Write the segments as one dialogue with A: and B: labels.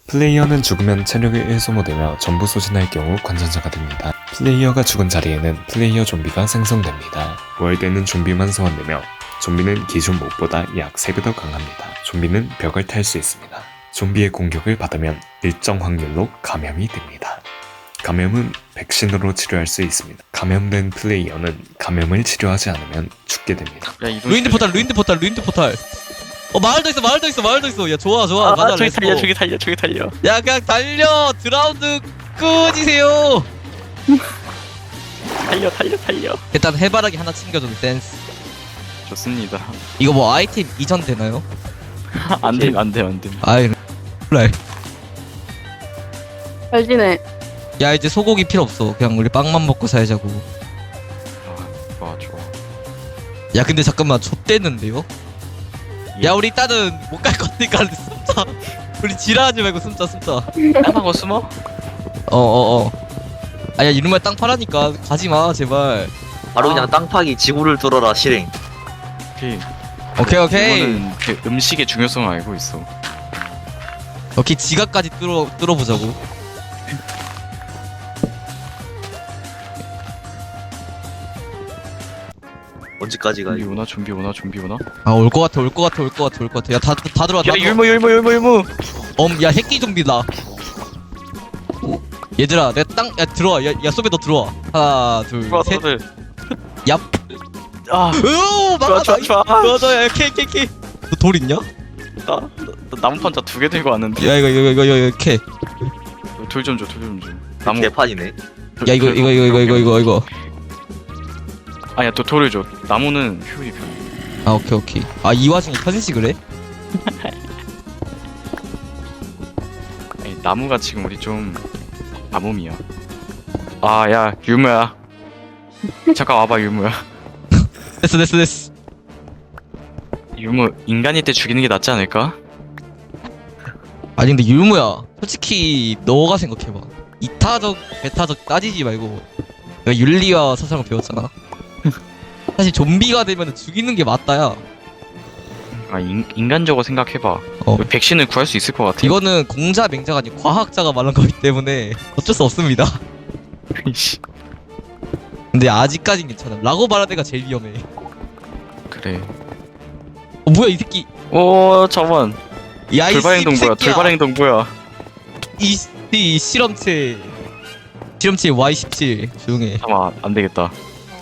A: 플레이어는 죽으면 체력이 1 소모되며 전부 소진할 경우 관전자가 됩니다. 플레이어가 죽은 자리에는 플레이어 좀비가 생성됩니다. 부활되는 좀비만 소환되며 좀비는 기존 몹보다 약 3배 더 강합니다. 좀비는 벽을 탈 수 있습니다. 좀비의 공격을 받으면 일정 확률로 감염이 됩니다. 감염은 백신으로 치료할 수 있습니다. 감염된 플레이어는 감염을 치료하지 않으면 죽게 됩니다.
B: 야,
C: 루인드 포탈. 마을도 있어. 야, 좋아. 가자,
B: 저기
C: 렛츠고.
B: 달려, 저기 달려.
C: 야, 그냥 달려. 드라운드 끄지세요.
B: 달려.
C: 일단 해바라기 하나 챙겨줘도 댄스.
B: 좋습니다.
C: 이거 뭐 아이템 이전 되나요?
B: 안 돼.
C: 아이, 그래.
D: 잘 지내.
C: 야, 이제 소고기 필요 없어. 그냥 우리 빵만 먹고 살자고.
B: 좋아.
C: 야, 근데 잠깐만, 좆됐는데요? 야, 우리 일단은 못 갈 거니까 숨자. 우리 지랄하지 말고 숨자.
B: 땅하고 숨어?
C: 아야, 이놈의 땅 파라니까 가지마, 제발.
E: 바로 그냥 땅 파기 지구를 뚫어라 실행.
B: 오케이.
C: 오케이.
B: 이거는 그 음식의 중요성을 알고 있어.
C: 오케이, 지갑까지 뚫어보자고.
E: 언제까지 가?
B: 좀비 오나?
C: 아, 올 것 같아. 야, 다 들어와.
B: 야, 율무.
C: 야, 새끼 좀비다. 얘들아, 내 땅, 야, 들어와. 야, 소배 너 들어와. 하나, 둘, 셋. 얍.
B: 아,
C: 으오, 막아.
B: 좋아.
C: 맞아, 야, 캐. 너 돌 있냐?
B: 나 나무 판자 2개 들고 왔는데.
C: 야, 이거, 캐.
B: 돌 좀 줘. 나무.
E: 개판이네.
C: 야, 이거.
B: 아니야, 또 돌을 줘. 나무는 효율이 편해.
C: 아, 오케이. 아, 이 와중에 편식을 해?
B: 아니, 나무가 지금 우리 좀 가뭄이야. 아, 야, 유무야. 잠깐 와봐, 유무야.
C: 됐어.
B: 유무, 인간일 때 죽이는 게 낫지 않을까?
C: 아니, 근데 율무야. 솔직히, 너가 생각해봐. 이타적, 배타적 따지지 말고. 내가 윤리와 사상을 배웠잖아. 사실 좀비가 되면 죽이는 게 맞다야.
B: 아, 인간적으로 생각해봐. 백신을 구할 수 있을 것 같아.
C: 이거는 공자 맹자가 아니고 과학자가 말한 거기 때문에 어쩔 수 없습니다. 근데 아직까진 괜찮아. 라고 말하는 애가 제일 위험해.
B: 그래.
C: 뭐야 이 새끼.
B: 오, 잠깐만.
C: 야이
B: 돌발 행동 뭐야?
C: 이 실험체 Y17 조용해.
B: 잠깐만, 안 되겠다.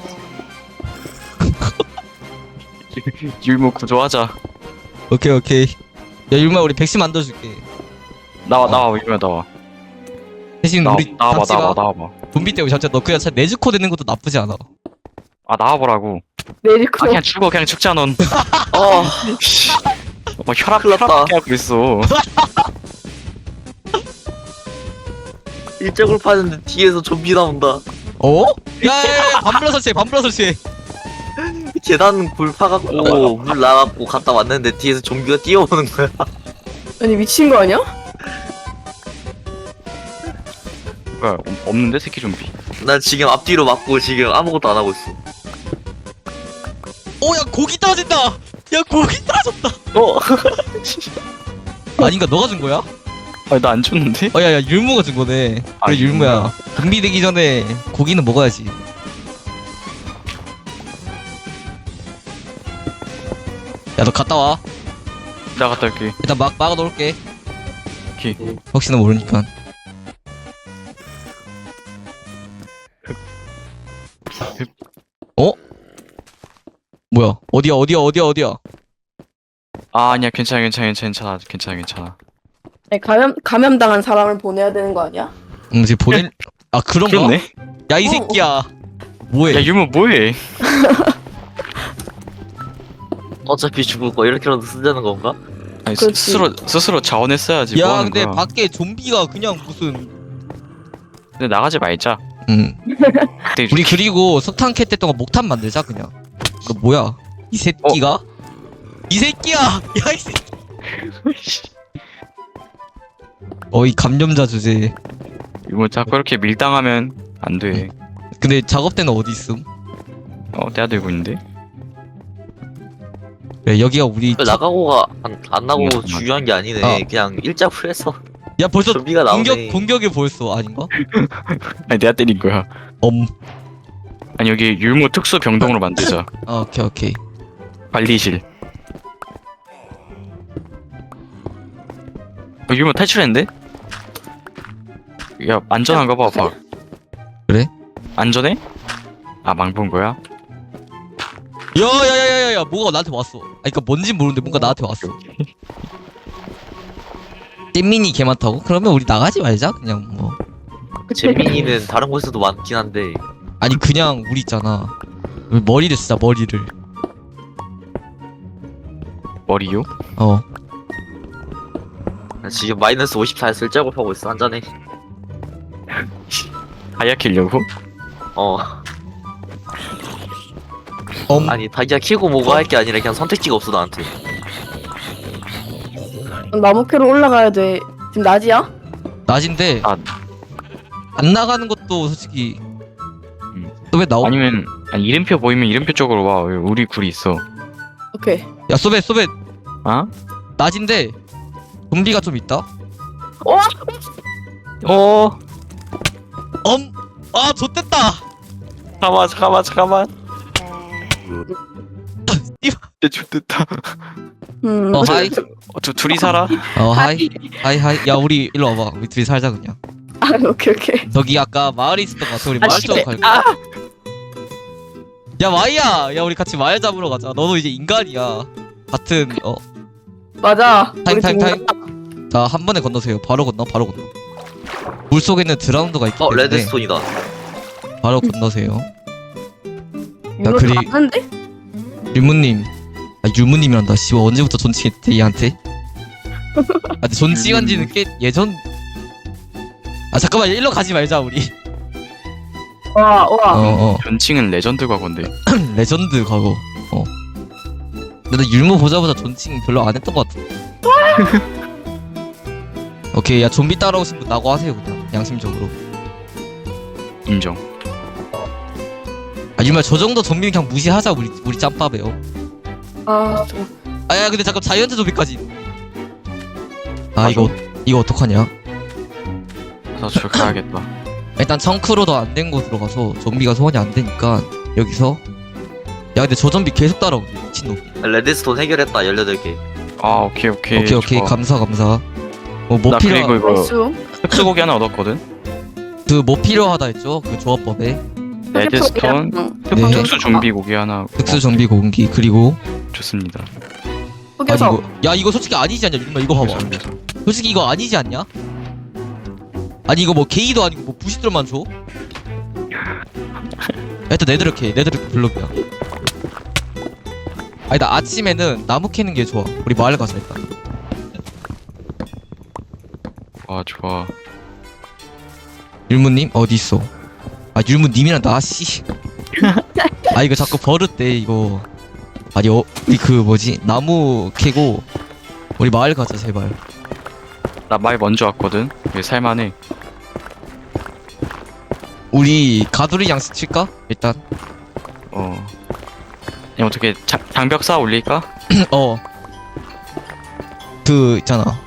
B: 율무 구조하자.
C: 오케이. 야 율마 우리 백신 만들어줄게.
B: 나와, 율무야, 나와.
C: 대신 우리
B: 나와봐.
C: 좀비 때문에 진짜 너 그냥 네즈코 되는 것도 나쁘지 않아.
B: 아, 나와보라고.
D: 내리코.
B: 그냥 죽자, 넌. 혈압
E: 큰일 났다.
B: 하고 있어.
E: 일적을 파는데 뒤에서 좀비 나온다.
C: 어? 야야야 반불러 설치해.
E: 계단 굴 파갖고 물 나갖고 갔다 왔는데 뒤에서 좀비가 뛰어오는 거야.
D: 아니 미친 거 아니야?
B: 뭐야, 없는데 새끼 좀비.
E: 난 지금 앞뒤로 맞고 지금 아무것도 안 하고 있어.
C: 야 고기 떨어진다. 야 고기 떨어졌다. 아닌가 너가 준 거야?
B: 아니, 나 안 줬는데?
C: 야야 율무가 준 거네.
B: 아,
C: 그래 율무야. 좀비 되기 전에 고기는 먹어야지. 야 너 갔다 와.
B: 나 갔다 올게.
C: 일단 막아 놓을게.
B: 오케이.
C: 혹시나 모르니까. 어? 뭐야? 어디야?
B: 아, 아니야, 괜찮아.
D: 아니, 감염당한 사람을 보내야 되는 거 아니야?
C: 이제 보낼. 아 그런가?
B: 그렇네.
C: 야 이 새끼야. 뭐해?
B: 야, 율무 뭐해?
E: 어차피 죽을 거 이렇게라도 쓰자는 건가?
B: 아니,
D: 그렇지.
B: 스스로 자원했어야지. 뭐
C: 야
B: 하는
C: 근데
B: 거야.
C: 밖에 좀비가 그냥 무슨.
B: 근데 나가지 말자. 그때
C: 우리 그리고 석탄 캣 때 동안 목탄 만들자 그냥. 이거 뭐야? 이 새끼가? 이 새끼야! 야 이 새끼. 이 감염자 주제.
B: 율무 자꾸 이렇게 밀당하면 안 돼.
C: 근데 작업대는 어디 있음?
B: 내가 들고 있는데.
C: 야, 여기가 우리
E: 나가고가 안 나고
B: 맞아.
E: 중요한 게 아니네.
C: 아.
E: 그냥 일자로 해서
C: 야 벌써
E: 좀비가 나오네.
C: 공격이 보였어 아닌가?
B: 아니 내가 때린 거야. 아니 여기 율무 특수 병동으로 만들자.
C: 오케이.
B: 관리실. 율무 탈출했는데? 야 안전한가 봐. 봐.
C: 그래?
B: 안전해? 아 망본 거야?
C: 야야야야야 뭐가 나한테 왔어. 아니 그니까 뭔진 모르는데 뭔가 나한테 왔어. 잼민이 개 많다고? 그러면 우리 나가지 말자 그냥 뭐.
E: 재민이는 다른 곳에서도 많긴 한데
C: 아니 그냥 우리 있잖아. 우리 머리를 쓰자 머리를.
B: 머리요?
E: 지금 마이너스 54에 쓸작업하고 있어 한잔해.
B: 다이아 킬려고?
E: 아니 다이아 키고 뭐고 할 게 아니라 그냥 선택지가 없어 나한테.
D: 나무 캐로 올라가야 돼. 지금 낮이야?
C: 낮인데
B: 아.
C: 안 나가는 것도 솔직히 또 왜 나오?
B: 아니면 이름표 보이면 이름표 쪽으로 와. 우리 굴이 있어.
D: 오케이.
C: 야 소벳
B: 어?
C: 낮인데 좀비가 좀 있다. 아 좆됐다.
B: 잠깐만. 진짜 좋겠다.
C: 하이.
B: 둘이 살아?
C: 하이. 야 우리 일로 와봐. 우리 둘이 살자 그냥.
D: 아, 오케이.
C: 저기 아까 마을에 있었던 것 같아. 우리 마을 쪽으로 갈까?
D: 아,
C: 야 마이야. 야 우리 같이 마을 잡으러 가자. 너도 이제 인간이야. 같은
D: 맞아.
C: 타임.
D: 우리 지금
C: 자 한 번에 건너세요. 바로 건너. 물 속에는 드라운드가 있기 때문에
E: 레드스톤이다.
C: 바로 건너세요.
D: 유로
C: 그리-
D: 가는데?
C: 유무님. 유무님이란다. 씨발 언제부터 존칭했대 얘한테? 근데 존칭한지는 꽤 예전. 잠깐만 일로 가지 말자 우리.
D: 와.
B: 존칭은 레전드 과거인데.
C: 레전드 과거. 근데 나 율무 보자마자 존칭 별로 안 했던 것 같아. 오케이 야 좀비 따라오신 분 나고 하세요 그냥 양심적으로.
B: 인정.
C: 율무야 저 정도 좀비는 그냥 무시하자 우리 짬밥에요. 야 근데 잠깐 자이언트 좀비까지. 이거 어떡하냐?
B: 나 저 가야겠다.
C: 일단 청크로도 안 된 곳으로 가서 좀비가 소환이 안 되니까 여기서. 야 근데 저 좀비 계속 따라오네 미친놈.
E: 레드스톤 해결했다 18개.
B: 아 오케이.
C: 오케이 감사. 뭐
B: 나
C: 필요
B: 그리고 이거
D: 벌써?
B: 흡수고기 하나 얻었거든.
C: 뭐 필요하다 했죠 그 조합법에.
B: 레드스톤,
C: 네.
B: 특수 좀비 고기 하나.
C: 특수 좀비 공기 그리고.
B: 좋습니다.
D: 흑여석.
C: 이거 솔직히 아니지 않냐 율마 이거 봐봐. 솔직히 이거 아니지 않냐? 아니 이거 뭐 게이도 아니고 뭐 부시들만 줘? 일단 네드르케 블록이야. 나 아침에는 나무 캐는 게 좋아. 우리 마을 가자 일단.
B: 아 좋아.
C: 율무님 어디 있어? 율무님이랑 나 씨. 이거 자꾸 버릇돼 이거. 아니 우리 그 뭐지 나무 캐고 우리 마을 가자 제발.
B: 나 말 먼저 왔거든. 이게 살만해.
C: 우리 가두리 양식 칠까? 일단.
B: 그냥 어떻게 장벽 쌓아 올릴까?
C: 그 있잖아.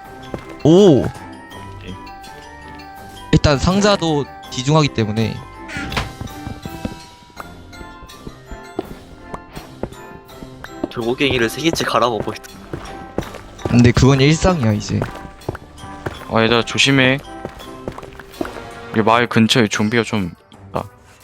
C: 일단 상자도 귀중하기 때문에.
E: 돌고갱이를 3개째 갈아먹고 있다.
C: 근데 그건 일상이야 이제.
B: 얘들아 조심해. 이 마을 근처에 좀비가 좀 있다.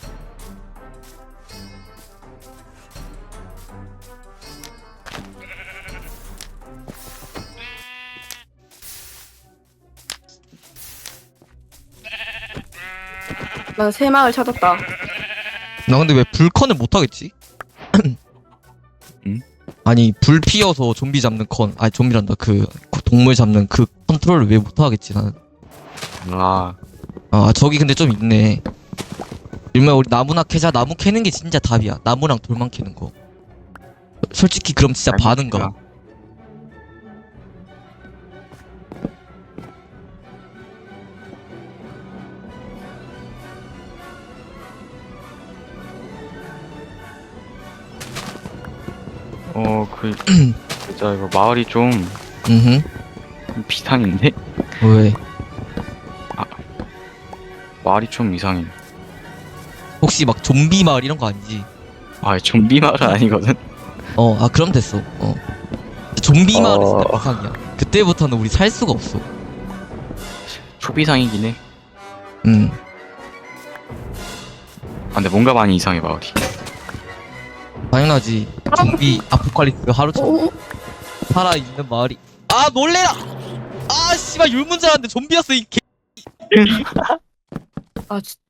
D: 난 새마을 찾았다.
C: 나 근데 왜 불컨을 못 하겠지?
B: 응?
C: 아니 불 피워서 좀비 잡는 컨. 좀비란다. 그 동물 잡는 그 컨트롤을 왜 못 하겠지 나는. 저기 근데 좀 있네. 일명 우리 나무나 캐자. 나무 캐는 게 진짜 답이야. 나무랑 돌만 캐는 거. 솔직히 그럼 진짜 반응가.
B: 진짜 이거 마을이 좀
C: 음흠.
B: 비상인데?
C: 왜?
B: 말이 좀 이상해.
C: 혹시 막 좀비 마을 이런 거 아니지?
B: 아, 좀비 말은 아니거든.
C: 아 그럼 됐어. 좀비 마을은 진짜
B: 어.
C: 비상이야. 그때부터는 우리 살 수가 없어.
B: 초비상이긴 해. 아, 근데 뭔가 많이 이상해 마을이.
C: 당연하지. 좀비 아포칼립스 하루처럼
D: 오,
C: 살아있는 마을이. 아 놀래라! 아 씨발 율문 줄 알았는데 좀비였어 이 개.
D: 아, 진짜.